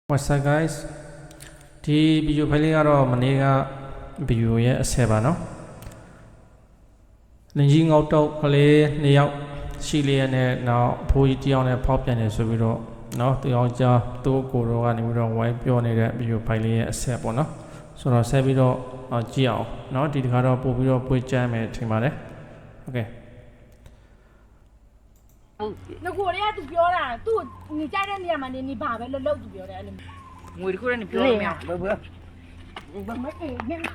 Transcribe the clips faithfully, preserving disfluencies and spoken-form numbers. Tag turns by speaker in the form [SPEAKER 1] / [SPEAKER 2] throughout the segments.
[SPEAKER 1] What's up guys ဒီဗီဒီယိုဖိုင်လေးကတော့မနေ့ကဗီဒီယိုရဲ့အဆယ်ပါနော်လင်ကြီးငေါက်တော့ကလေးနှစ်ယောက်ရှိလေးနဲ့နောက်အဖိုးကြီးတယောက်နဲ့ဖောက်ပြန်နေဆိုပြီးတော့နော်သူအောင်ကြားသူ့ကိုယ်တော်ကနေပြီးတော့ဝိုင်းပြောနေတဲ့ဗီဒီယိုဖိုင်လေးရဲ့အဆယ်ပေါ့နော်ဆိုတော့ဆက်ပြီးတော့ကြည့်အောင်နော်ဒီတစ်ခါတော့ပို့ပြီးတော့ပွေးကြမ်းမယ်ထင်ပါတယ်โอเค
[SPEAKER 2] ငါကိုရဲသူပြောတာသူ့ညီကြတဲ့နေရာမှာနေနေပါပဲလှုပ်လှုပ်သူပြောတယ်အဲ့လို
[SPEAKER 3] ငွေတခုတည်းနေပြောလို့မရဘူးဘယ်
[SPEAKER 2] ဘယ်မအေးမင်း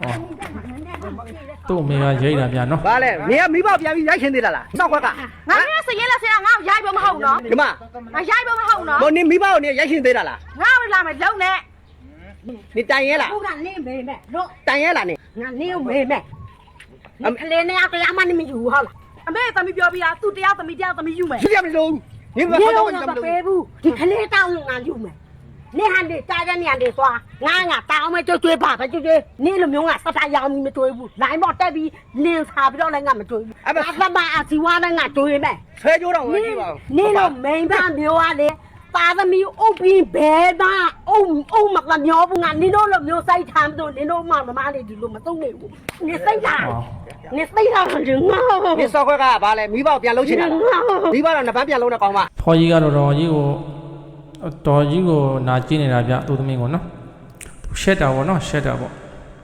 [SPEAKER 1] သူ့အမေကရိတ်တာပြန်နော်
[SPEAKER 4] ဘာလဲမင်းကမိဘပြန်ပြီးရိုက်ရှင်သေးလားလားနောက်ခွက်က
[SPEAKER 2] ငါလည်းစရင်လက်စရင်ငါ့ကိုရိုက်ဖို့မဟုတ်နော်
[SPEAKER 4] ဒီမှာ
[SPEAKER 2] ငါရိုက်ဖို့မဟုတ်နော်
[SPEAKER 4] မနေမိဘကိုနေရိုက်ရှင်သေးတာလား
[SPEAKER 2] ငါ့ကိုလာမယ်လုံနဲ့
[SPEAKER 4] နေတိုင်ရဲလား
[SPEAKER 2] ဟုတ်ကနင်းမေးမဲ့လို့
[SPEAKER 4] တိုင်ရဲလားနေ
[SPEAKER 2] ငါနင်းကိုမေးမဲ့ကလေးနဲ့တရားမှနေမယူဟုတ်လားအမေသမီးပြောပြီးသားသူတရားသမီးတရားသမီးယူမယ်
[SPEAKER 4] ရှိရမလို့နေဘာတော့မ
[SPEAKER 2] ပေးဘူးဒီကလေးတောင်းငါယူမယ်နေဟန်ဒီတားတဲ့နေရာတွေသွားငါငါတောင်းမဲ့ကြွကြွပါပဲကြွကြွနေလိုမျိုးငါစတာရောင်ပြီးမကြွဘူးလိုင်းပေါ်တက်ပြီးလင်းစားပြီးတော့လည်းငါမကြွဘူးအသမအစီဝါနဲ့ငါကြွရမယ်
[SPEAKER 4] ဆွဲကြိုးတော့မကြည့်ပါဘူး
[SPEAKER 2] နေလိုမိန်ပါမျိုးကလေတာသမီးအုပ်ပြီးဘဲပါအုံအုံမကမျောဘူးငါနင်တို့လိုမျိုးစိုက်ထားလို့နင်တို့မှမမလေးဒီလိုမသုံးနေဘူးနေစိတ်လားနေစိတ်လားငါ
[SPEAKER 4] နေစောက်ခွက်ကဘာလဲမိဘပြန်လုံးချင်တာမိဘတော့နှစ်ပန်းပြန်လုံးတဲ့ကောင်မ
[SPEAKER 1] ဖော်ကြီးကတော့တော်ကြီးကိုတော်ကြီးကိုနာကျင်နေတာဗျသူ့သမီးကိုနော်ရှက်တာပေါ့နော်ရှက်တာပေါ့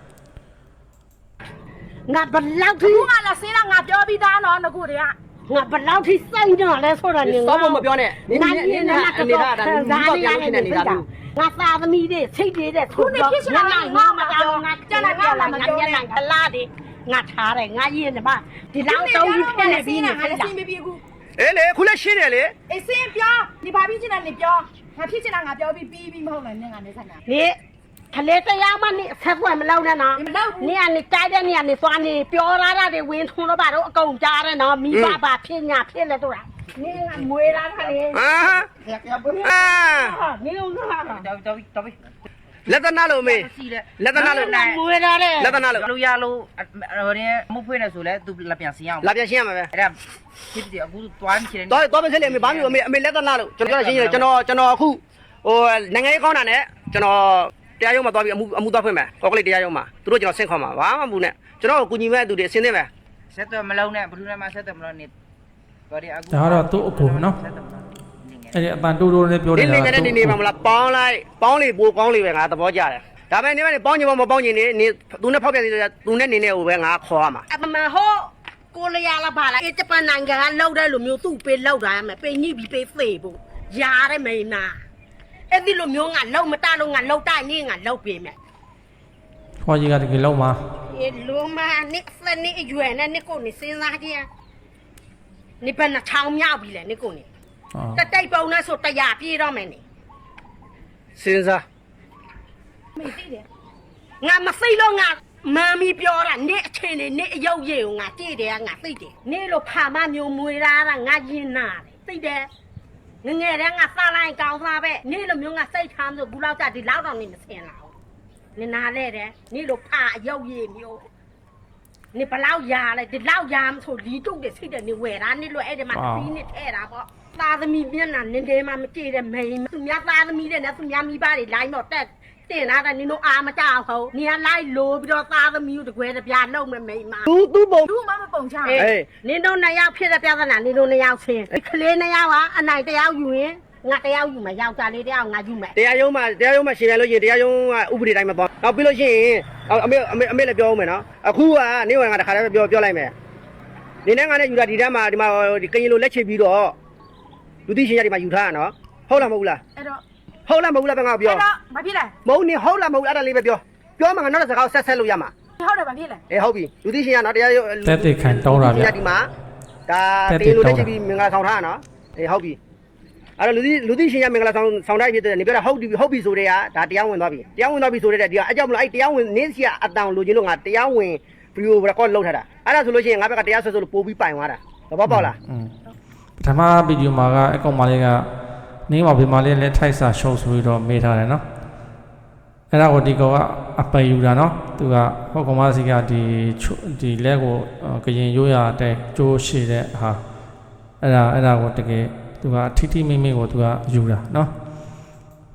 [SPEAKER 2] ငါဘလောက်ထိငါလာစင်းလာငါပြောပြီးသားနော်ငါကိုတည်းကငါဘလောက်ထိစိုက်တော့လဲဆိုတာနေ
[SPEAKER 4] စောက်ဖို့မပြောနဲ့နင်းနင်းနင်းအနေထားတာမိဘပြန်လုံးချင်တဲ့နေတာလူ
[SPEAKER 2] ငါသားသမီးတွေစိတ်တွေတဲ့ခုနှစ်ဖြစ်ချင်တာငါမတောင်းငါကျန်တာငါငါညံ့ငါလာတယ်ငါထားတယ်ငါရင်းနေမှာဒီလောက်တော့ကြီးဖြစ်နေပြီငါလည်းစိတ်မပြေဘူး
[SPEAKER 4] အေးလေခုလည်းရှင်းတယ်လေ
[SPEAKER 2] အေးစင်းပြောနေပါပြီချင်တာနေပြောငါဖြစ်ချင်တာငါပြောပြီးပြီးပြီးမဟုတ်လားညငါနေဆိုင်တာနေခလေးတရားမနေဆက်ွယ်မလောက်နဲ့နော်မလောက်နေကနေတိုက်တဲ့နေကနေသွားနေပြောရတာတွေဝင်းထုံးတော့ပါတော့အကုန်ကြားတယ်နော်မိဘပါဖြစ်ညာဖြစ်လဲတို့လားနေကမွေးလာတာလေ
[SPEAKER 4] အာအာ
[SPEAKER 2] နေဦးလား
[SPEAKER 3] တော်တော်တော်
[SPEAKER 4] လက်သနာလို့မေးလက်သနာလို့
[SPEAKER 2] မွေးလာတယ်
[SPEAKER 4] လက်သနာလို့
[SPEAKER 3] လူရလို့ဟိုနေမဖွေးနေဆိုလဲသူလက်ပြန်စင်းအောင်
[SPEAKER 4] လက်ပြန်ရှင်းရမှာပဲ
[SPEAKER 3] အဲ့ဒါဖြစ်တယ်အခုတွားနေချင်တယ်
[SPEAKER 4] တော့တော့မစလေမေးဘာမျိုးအမေအမေလက်သနာလို့ကျွန်တော်ရှင်းရတယ်ကျွန်တော်ကျွန်တော်အခုဟိုနိုင်ငံရေးကောင်းတာနဲ့ကျွန်တော်တရားရုံးမှာသွားပြီးအမှုအမှုသွားဖွင့်မယ်ကောက်ကလေးတရားရုံးမှာသူတို့ကျွန်တော်ဆင့်ခေါ်မှာဘာမှမဘူးနဲ့ကျွန်တော်ကိုကူညီမဲ့သူတွေအစင်းသိမယ်
[SPEAKER 3] ဆက်တော့မလုံးနဲ့ဘလူးနဲ့မှဆက်တော့မလုံးနဲ့
[SPEAKER 1] တော်တယ်အခုဒါကတော့သူ့အကူနော်အဲ့ဒီအပန်တိုးတိုးနဲ့ပြောနေတာ
[SPEAKER 4] နေနေနေနေပါမလားပေါင်းလိုက်ပေါင်းလေပိုကောင်းလေပဲငါသဘောကျတယ်ဒါပေမဲ့နေမနေပေါင်းချင်မပေါင်းချင်နေနေသူနဲ့ဖောက်ပြန်နေသူနဲ့နေနေဟိုပဲငါခေါ်ရမှာ
[SPEAKER 2] အမမဟိုကိုလျာလာပါလားအေဂျပန်နိုင်ငံကလောက်တဲ့လူမျိုးသူ့ပေးလောက်တာရမယ်ပေးညှိပြီးပေးဖေးဖို့ရားတယ်မိန်းနာအဲ့ဒီလိုမျိုးငါလောက်မတလို့ငါလောက်တိုင်းနေငါလောက်ပေးမယ်
[SPEAKER 1] ဖော်ကြီးကတကယ်လောက်မှာ
[SPEAKER 2] အေးလိုမနိစနိအရွယ်နဲ့နိကိုနေစဉ်းစားကြည့်နိဘယ်နှထောင်မြောက်ပြီလဲနိကိုနေတတိတ်ပုံနဲ့ဆိုတရားပြေးတော့မယ်နိ
[SPEAKER 4] စဉ်းစား
[SPEAKER 2] မေ့သိတယ်ငါမစိတ်လို့ငါမမီပြောတာနိအချင်းနေနိအယုတ်ရေကိုငါကြည့်တယ်ငါသိတယ်နိလို့ဖာမမျိုးမွေးတာငါရင်နာတယ်သိတယ်ငငယ်တည်းငါစားလိုက်ကောင်းစားပဲနိလိုမျိုးငါစိတ်ထားလို့ဘူးလောက်ကြဒီလောက်တော့နေမစင်လာဘူးနိနာလဲတယ်နိလို့ဖာအယုတ်ရေမျိုးနိဘလောက်ရာလဲဒီလောက်ရာမဆိုလီတုတ်တယ်စိတ်တယ်နိဝယ်တာနိလို့အဲ့ဒီမှာပြီးနိထဲတာပေါ့သားသမီးမျက်နှာနင်းတဲမှမကြည့်တဲ့မိန်သူများသားသမီးတဲ့နဲ့သူများမိဘတွေလိုင်းတော့တက်တင်လာတဲ့နင်တို့အာမကြောက်ဟုတ်နင်ကလိုက်လိုပြီးတော့သားသမီးတို့တကွဲတပြားလုံးမဲ့မိန်မ
[SPEAKER 4] သူသူပုံ
[SPEAKER 2] သူမှမပုံချအေးနင်တို့နှစ်ယောက်ဖြစ်တဲ့ပြဿနာနင်တို့နှစ်ယောက်ချင်းကလေးနှစ်ယောက်ကအနိုင်တယောက်ယူရင်ငါတယောက်ယူမယ်ယောက်ျားလေးတယောက်ငါယူမယ်
[SPEAKER 4] တရားရုံးမှာတရားရုံးမှာရှင်ပြန်လို့ရှိရင်တရားရုံးကဥပဒေတိုင်းမှာပေါ့နောက်ပြီးလို့ရှိရင်အမေအမေအမေလည်းပြောဦးမယ်နော်အခုကနေဝင်ကတခါတည်းပြောပြောလိုက်မယ်နေနဲ့ငါနဲ့ယူတာဒီတန်းမှာဒီမှာဒီကရင်လိုလက်ချပြီးတော့လူသိရှင်ရဒီမှာယူထားရနော်ဟုတ်လားမဟုတ်လား
[SPEAKER 2] အဲ့တော့
[SPEAKER 4] ဟုတ်လားမဟုတ်လားပဲငါပြော
[SPEAKER 2] အဲ့တော့မဖြစ်လဲ
[SPEAKER 4] မဟုတ်နေဟုတ်လားမဟုတ်အဲ့ဒါလေးပဲပြောပြောမှငါနောက်တဲ့စကားဆက်ဆက်လို့ရမှာ
[SPEAKER 2] ဟုတ်တယ်မဖြစ်လဲ
[SPEAKER 4] အေးဟုတ်ပြီလူသိရှင်ရနော်တရား
[SPEAKER 1] တက်တက်ခံတောင်းတာဗျ
[SPEAKER 4] ဒီမှာဒါတေးလိုလက်ချပြီးမင်္ဂလာဆောင်ထားရနော်အေးဟုတ်ပြီအဲ့တော့လူသိလူသိရှင်ရမင်္ဂလာဆောင်ဆောင်တိုင်းဖြစ်တဲ့နေပြောတာဟုတ်ပြီဟုတ်ပြီဆိုတဲ့ကဒါတရားဝင်သွားပြီတရားဝင်သွားပြီဆိုတဲ့ဒီကအကြောင်းမလို့အဲ့တရားဝင်နင်းစီကအတန်လိုချင်လို့ငါတရားဝင်ဗီဒီယိုရက်ကော့လုပ်ထားတာအဲ့ဒါဆိုလို့ရှိရင်ငါဘက်ကတရားဆွဲဆိုလို့ပို့ပြီးပိုင်သွားတာသဘောပေါက်လား
[SPEAKER 1] ပထမဗီဒီယိုမှာကအကောင်မလေးကနေမှာဒီမှာလေးလက်ထိုက်စာရှုပ်ဆိုပြီးတော့မေးထားတယ်နော်အဲ့ဒါကိုဒီကောင်ကအပယ်ယူတာနော်သူကဟောကောင်မစီကဒီဒီလက်ကိုကရင်ရိုးရတဲ့ကျိုးရှိတဲ့ဟာအဲ့ဒါအဲ့ဒါကိုတကယ်သူကထိထိမိမိကိုသူကယူတာနော်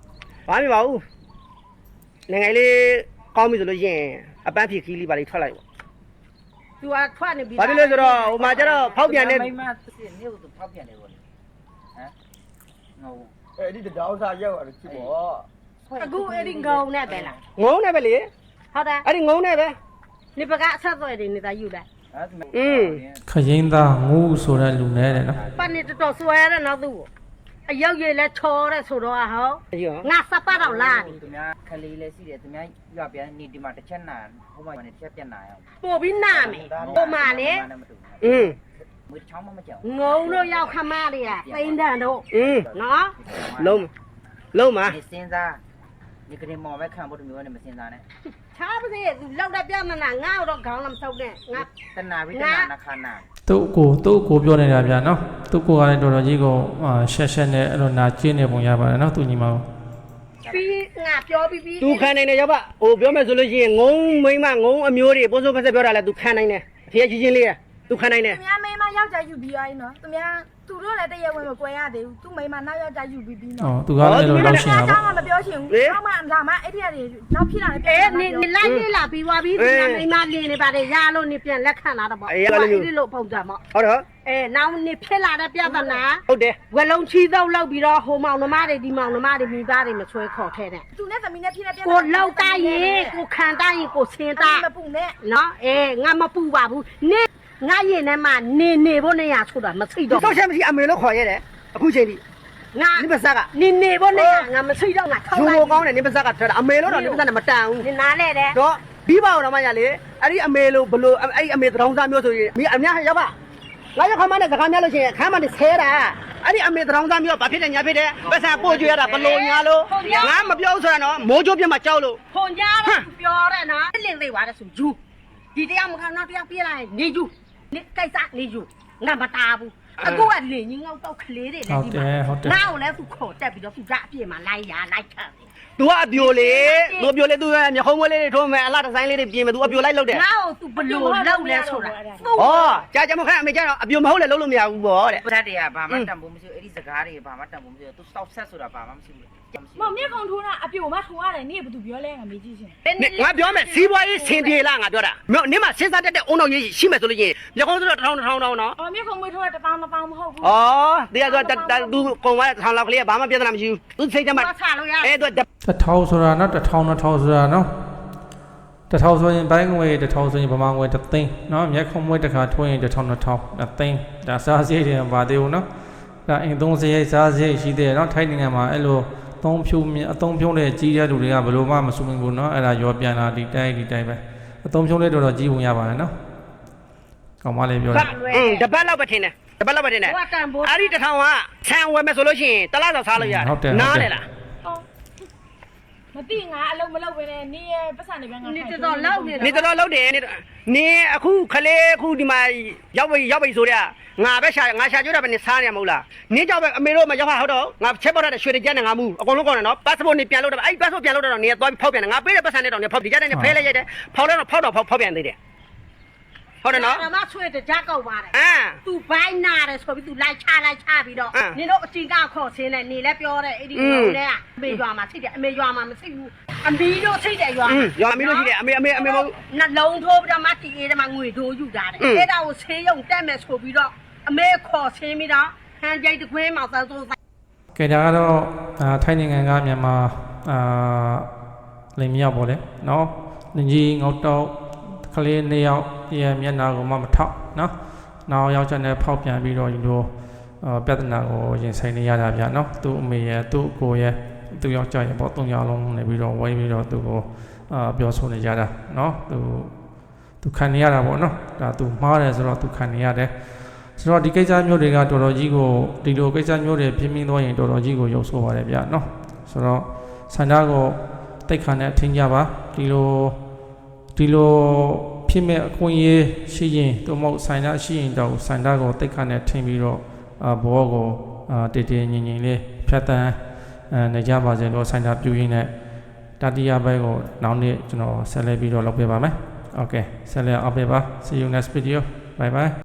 [SPEAKER 4] ဘာမှမပါဘူးနိုင်ငံလေးကောင်းပြီဆိုလို့ရှိရင်အပန်းဖြေခီးလေးပါလေးထွက်လိုက်ပေါ့
[SPEAKER 2] သူကထွက်နေပြီ
[SPEAKER 4] ဘာဖြစ်လို့ဆိုတော့ဟိုမှာကျတော့ဖောက်ပြန်တဲ့
[SPEAKER 3] မိမစစ်နေကိုဖောက်ပြန်တယ်ပေါ့လေဟမ်ငေါ
[SPEAKER 5] အဲ့ဒီတောင်စားရောက်ရတယ်ချစ်ပေါ့
[SPEAKER 2] အခုအဲ့ဒီငုံနဲ့ပဲလား
[SPEAKER 4] ငုံနဲ့ပဲလေ
[SPEAKER 2] ဟုတ်တယ်
[SPEAKER 4] အဲ့ဒီငုံနဲ့ပဲ
[SPEAKER 2] နေပကအဆက်သွယ်တွေနေတာယူလိုက်
[SPEAKER 3] အဲ့ဒါ
[SPEAKER 4] อืม
[SPEAKER 1] ခရင်သားငူးဆိုတဲ့လူနဲ့တဲ့နော်
[SPEAKER 2] ပတ်နေတော်တော်ဆွဲရတဲ့နောက်သူ့ကိုအရောက်ရည်လဲချောတဲ့ဆိုတော့ဟော
[SPEAKER 4] အကြီးရော
[SPEAKER 2] ငါစပတ်တော့လာပြီ
[SPEAKER 3] သူများခလေးလေးရှိတယ်သူများရွာပြန်နေဒီမှာတစ်ချက်နာဟိုမှာတစ်ချက်ပြန်နာအောင်
[SPEAKER 2] ပို့ပြီးနာမယ်ပို့မှလေ
[SPEAKER 4] อืม
[SPEAKER 3] မွေးချောင်းမမကြောက်
[SPEAKER 2] ငုံတို့ရောက်ခမတွေကသိန်းတန်တို့
[SPEAKER 4] อืม
[SPEAKER 2] နော်
[SPEAKER 4] လုံးလုံးမှာ
[SPEAKER 3] နေစင်းစားဒီကနေ့မော်ပဲခံဖို့တမျိုးနဲ့မစင်းစားနဲ့
[SPEAKER 2] ချားပါစေသူလောက်တဲ့ပြမနာငါ့တော့ခေါင်းလည်းမထုတ်နဲ့ငါ
[SPEAKER 3] တနာပြီးတနာနာခနာ
[SPEAKER 1] သူ့ကိုသူ့ကိုပြောနေတာဗျာနော်သူ့ကိုကလည်းတော်တော်ကြီးကိုရှက်ရှက်နဲ့အဲ့လိုနာကျင်းနေပုံရပါတယ်နော်သူညီမကို
[SPEAKER 2] ပြီးငါပြောပြီးပြီး
[SPEAKER 4] သူခံနိုင်တယ်ရောက်ပါဟိုပြောမယ်ဆိုလို့ရှိရင်ငုံမိမငုံအမျိုးတွေပိုးစိုးဖက်ဆက်ပြောတာလဲသူခံနိုင်တယ်အဖေကြီးချင်းလေးရသူခံနိုင်တယ်
[SPEAKER 6] သူများမိမယောက်ျားယူပြီးသွားရင်နော်သူများသူတို့လည်းတည့်ရဝင်မကွဲရသေးဘူးသူမိမနောက်ယောက်ျားယူပြီးပြီး
[SPEAKER 1] အော်
[SPEAKER 6] နော်
[SPEAKER 1] သူကလည်းအဲ့လိုလောက်ရှင်တာ
[SPEAKER 6] အကြော
[SPEAKER 1] ပေါ့
[SPEAKER 6] င်းကမပြောချင်ဘူး။အောက်မှလာမှအဲ့ဒီကနေနောက်ဖြစ်လာတယ်
[SPEAKER 2] အေးနေနေလိုက်နေလာပြီးသွားပြီဒီကမိမလင်းနေပါတယ်ရလို့နေပြန်လက်ခံလာတော့ပေါ့ဒီလိုပုံစံပေါ့
[SPEAKER 4] ဟုတ်တော့
[SPEAKER 2] အဲနောက်နေဖြစ်လာတဲ့ပြဿနာ
[SPEAKER 4] ဟုတ်တယ်
[SPEAKER 2] ဝလုံးချီတော့လောက်ပြီးတော့ဟိုမောင်နှမတွေဒီမောင်နှမတွေမိသားတွေမဆွဲခေါ်ထဲတဲ့
[SPEAKER 6] သူနဲ့သမီးနဲ့ဖြစ်တဲ့ပြဿနာ
[SPEAKER 2] ကိုလောက်တိုင်းရင်ကိုခံတိုင်းရင်ကိုဆင်းတာ
[SPEAKER 6] မပူနဲ့
[SPEAKER 2] နော်အေးငါမပူပါဘူးနေငါရင်ထဲမှာနေနေဖို့နေရဆိုတာမသိတော့
[SPEAKER 4] ဆောက်ချက်မရှိအမေလို့ခေါ်ရတယ်အခုချိန်ထိ
[SPEAKER 2] ငါ
[SPEAKER 4] နိပစက်က
[SPEAKER 2] နေနေဖို့နေရငါမသိတော့ငါထောက်
[SPEAKER 4] ဂျို
[SPEAKER 2] လိုက်
[SPEAKER 4] မိုကောင်းတယ်နိပစက်ကထွက်တာအမေလို့တော့နိပစက်နဲ့မတန်ဘူး
[SPEAKER 2] နေနားလဲတယ်
[SPEAKER 4] တော့ပြီးပါအောင်တော့မရလေအဲ့ဒီအမေလို့ဘလို့အဲ့ဒီအမေတောင်စားမျိုးဆိုရင်မိအများရောက်ပါငါရောက်ခမနဲ့စကားများလို့ရှိရင်ခမ်းမနဲ့ဆဲတာအဲ့ဒီအမေတောင်စားမျိုးဘာဖြစ်တယ်ညာဖြစ်တယ်ပတ်စံပို့ကြွရတာဘလို့ညာလို့ငါမပြောဆိုရတော့မိုးချိုးပြတ်မှာကြောက်လို့
[SPEAKER 2] ခွန်ကြတော့ပြောတယ်နော်လင်းသေးပါတယ်ဆိုယူဒီတရားမခံတော့တရားပြေးလိုက်နေယူနေကိစ္စနေယူငါမတားဘူးအခုကလင်းကြီးငေါတော့ကလေးတွေလည်းဒီမှာငါ့ကိုလည်းသူခေါ်တက်ပြီးတော့သူကြအပြည့်မှာလိုက်ရလိုက်ထပ်
[SPEAKER 4] तू ကအပြိုလေသူအပြိုလေ तू မျက်ခုံးမွေးလေးတွေထိုးမယ်အလားဒီဇိုင်းလေးတွေပြင်မယ် तू အပြိုလိုက်လုပ်တယ်
[SPEAKER 2] ငါ့ကိုသူဘလို့လောက်လဲဆိုတာ
[SPEAKER 4] ဩကြာကြာမခန့်အမေကျတော့အပြိုမဟုတ်လေလုပ်လို့မရဘူးပေါ့တဲ့
[SPEAKER 3] ပဒတ်တွေကဘာမှတန်ဖို့မရှိဘူးအဲ့ဒီစကားတွေဘာမှတန်ဖို့မရှိဘူးသူစောက်ဆက်ဆိုတာဘာမှမရှိဘူး
[SPEAKER 6] မောင်မြက်ကောင်ထိုးတာအပြိုမထိုးရတယ်နေ့ကဘာသူပြောလဲငါမေးကြည့်ရှင်
[SPEAKER 4] ငါပြောမယ်စီးပွားရေးဆင်ပြေလားငါပြောတာမြို့နင်းမှာစဉ်းစားတတ်တဲ့အုံတော်ကြီးရှိမယ်ဆိုလို့ချင်းမျက်ခုံးဆိုတော့တစ်ထောင်တစ်ထောင်တောင်းနော်
[SPEAKER 6] အော်မြက်ကောင်မွေးထိုးတာတစ်ပေါင်းတစ်ပေါင်းမဟုတ်ဘူး
[SPEAKER 4] ဩတရားဆို तू ကုံသွားတဲ့တစ်ထောင်လောက်ကလေးကဘာမှပြဿနာမရှိဘူး तू စိတ်ထဲမှာ
[SPEAKER 2] တော့ဆလို့ရ
[SPEAKER 4] အဲ तू
[SPEAKER 1] တစ်ထောင်ဆိုတာနော်တစ်ထောင်နှစ်ထောင်ဆိုတာနော်တစ်ထောင်ဆိုရင်ဘိုင်းငွေတစ်ထောင်ဆိုရင်ဗမာငွေတစ်သိန်းနော်မျက်ခုံးမွေးတစ်ခါထွင်းရင်တစ်ထောင်နှစ်ထောင်တစ်သိန်းဒါစားစရိတ်တွေပါသေးဘူးနော်ဒါအိမ်သုံးစရိတ်စားစရိတ်ရှိသေးတယ်နော်ထိုင်းနိုင်ငံမှာအဲ့လိုသုံးဖြူအသုံးဖြုံးတဲ့ကြီးတဲ့လူတွေကဘယ်လိုမှမစုံဘူးနော်အဲ့ဒါရောပြန်လာဒီတိုင်းဒီတိုင်းပဲအသုံးဖြုံးလေးတော်တော်ကြီးပုံရပါတယ်နော်ကောင်းမလေးပြောတယ်
[SPEAKER 4] อืมတပတ်လောက်ပဲထင်တယ်တပတ်လောက်ပဲထင်တယ်
[SPEAKER 2] ဟိုကတန်ဖို့
[SPEAKER 4] အဲ့ဒီတစ်ထောင်ကဆန်ဝယ်မယ်ဆိုလို့ရှိရင်တလားတော့စားလို့ရတယ်နားတယ်လား
[SPEAKER 6] အော်မသိငါအလုံးမလုပ်ပဲနဲ့နေ့ရဲ့ပတ်စံတွေပဲငါ
[SPEAKER 2] နေတော်လောက်နေ
[SPEAKER 4] နေတော်တော်လုပ်တယ်နေအခုခလေးအခုဒီမှာရောက်ပြီရောက်ပြီဆိုတော့ငါပဲရှာငါရှာကြွတာပဲနေစားနေရမဟုတ်လားနေကြောက်ပဲအမေတို့မရောက်ဟာဟုတ်တော့ငါချက်ပေါက်တဲ့ရွှေတကြက်နဲ့ငါမူအကုန်လုံးကောင်းတယ်နော် passport နေပြန်လို့တော့အဲ့ passport ပြန်လို့တော့နေသွားပြီးဖောက်ပြန်တယ်ငါပေးတဲ့ပတ်စံနဲ့တော့နေဖောက်ဒီကြက်နဲ့ဖဲလိုက်ရတယ်ဖောက်တော့ဖောက်တော့ဖောက်ဖောက်ပြန်သေးတယ်ဟုတ်တယ်နော်
[SPEAKER 2] ဓမ္မဆွေတကြကောက်ပါတယ်
[SPEAKER 4] အာ
[SPEAKER 2] သူဘိုင်းနာတယ်ဆိုပြီးသူလိုက်ချလိုက်ချပြီးတော့နင်တို့အချင်းကခေါ်ဆင်းတယ်နေလဲပြောတယ်အဲ့ဒီကောင်နဲ့အမေရွာမှာသိတယ်အမေရွာမှာမသိဘူးအမီတို့သိတယ်ရွာ
[SPEAKER 4] อืมရွာမီးလို့ရှိတယ်အမေအမေအမေမဟုတ်
[SPEAKER 2] နှလုံးထိုးပြီးတော့မတီအေးတမငွေထိုးယူတာတယ်အဲ့ဒါကိုဆေးရုံတက်မယ်ဆိုပြီးတော့အမေခေါ်ဆင်းပြီးတော့ဟန်ကြိတ်တခွင်းမှာသန်းစိုးဆိုင်
[SPEAKER 1] ကဲဒါကတော့အာထိုင်းနိုင်ငံကမြန်မာအာလိမ်မြောက်ပေါ့လေနော်လင်ကြီးငေါတော့ကလေးနှစ်ယောက်ရဲ့မျက်နှာကိုမှမထောက်နော်နောက်ယောက်ျားနဲ့ဖောက်ပြန်ပြီးတော့ဒီလိုအာပြဿနာကိုရင်ဆိုင်နေရတာဗျာနော်သူ့အမေရဲ့သူ့အကိုရဲ့သူ့ယောက်ျားရဲ့ပေါ့သုံးယောက်လုံးနေပြီးတော့ဝိုင်းပြီးတော့သူ့ကိုအာပြောဆိုနေကြတာနော်သူသူခံနေရတာပေါ့နော်ဒါသူမှားတယ်ဆိုတော့သူခံနေရတယ်ဆိုတော့ဒီကိစ္စမျိုးတွေကတော်တော်ကြီးကိုဒီလိုကိစ္စမျိုးတွေပြင်းပြင်းသွားရင်တော်တော်ကြီးကိုရုပ်ဆိုးပါတယ်ဗျာနော်ဆိုတော့ဆန္ဒကိုတိတ်ခါနဲ့ထင်ကြပါဒီလိုဒီလိုဖြစ်မဲ့အခွင့်အရေးရှိရင်တို့မဟုတ်ဆန္ဒရှိရင်တော့ဆန္ဒကိုတိတ်ခါနဲ့ထင်ပြီးတော့အာဘောကိုအာတည်တည်ငြိမ်ငြိမ်လေးဖြတ်တန်းအဲနေကြပါစေလို့ဆန္ဒပြုရင်းနဲ့တတိယဘက်ကိုနောက်နေ့ကျွန်တော်ဆက်လက်ပြီးတော့လုပ်ပေးပါမယ်โอเคဆက်လက်အောင်ပေးပါ see you next video bye bye